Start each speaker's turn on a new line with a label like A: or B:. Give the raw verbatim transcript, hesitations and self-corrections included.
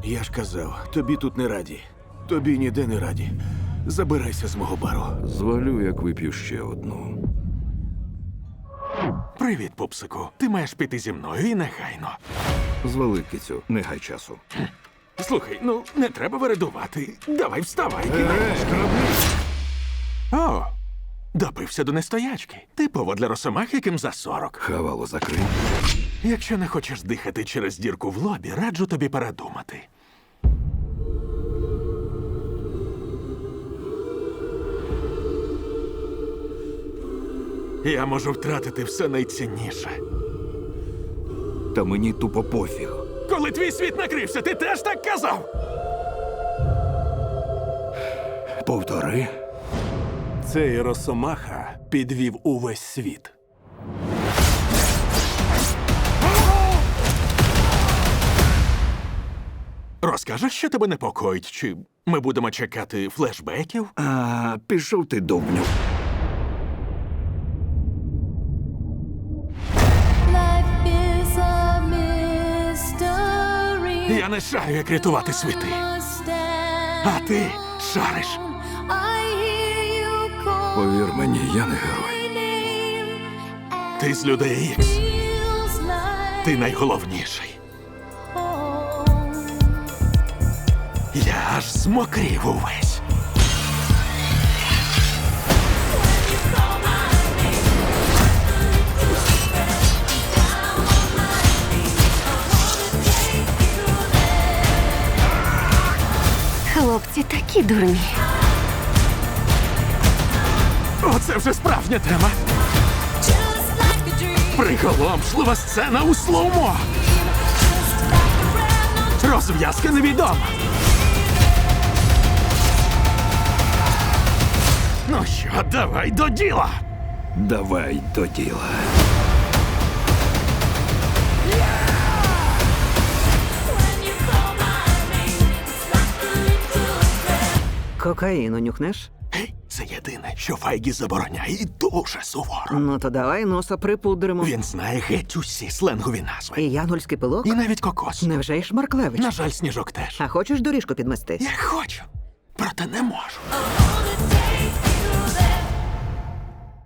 A: Я ж казав, тобі тут не раді. Тобі ніде не раді. Забирайся з мого бару.
B: Звалю, як вип'ю ще одну.
C: Привіт, пупсику. Ти маєш піти зі мною і негайно.
B: Звали, кицю, не гай часу.
C: Слухай, ну не треба вередувати. Давай вставай. кидай. О, допився до нестоячки. Типово для росомах, яким за сорок.
B: Хавало закрий.
C: Якщо не хочеш дихати через дірку в лобі, раджу тобі передумати. Я можу втратити все найцінніше.
B: Та мені тупо пофіг.
C: Коли твій світ накрився, ти теж так казав?
B: Повтори.
D: Цей Росомаха підвів увесь світ.
C: Розкажеш, що тебе непокоїть, чи ми будемо чекати флешбеків?
B: А, пішов ти довбню.
E: Life is a mystery.
C: Я не шарю, як рятувати світи. А ти шариш.
E: I hear you call
B: Повір мені, я не герой.
E: my name.
C: Ти з людей Ікс.
E: Feels like
C: Ти найголовніший.
E: home.
C: Я аж змокрів увесь.
F: Хлопці такі дурні.
C: Оце вже справжня тема.
E: Just like a dream.
C: Приголомшлива сцена у слоумо.
E: Just like a brand
C: Розв'язка невідома. Ну що, давай до діла.
B: Давай до діла.
E: when you call my name. It's like a little
G: Кокаїну нюхнеш?
C: Гей, це єдине, що Файгі забороняє і дуже суворо.
G: Ну то давай носа припудримо.
C: Він знає геть усі сленгові назви.
G: І янгольський пилок?
C: І навіть кокос.
G: Невже й Шмарклевич?
C: На жаль, сніжок теж.
G: А хочеш доріжку підмести?
C: Я хочу, проте не можу.
E: all the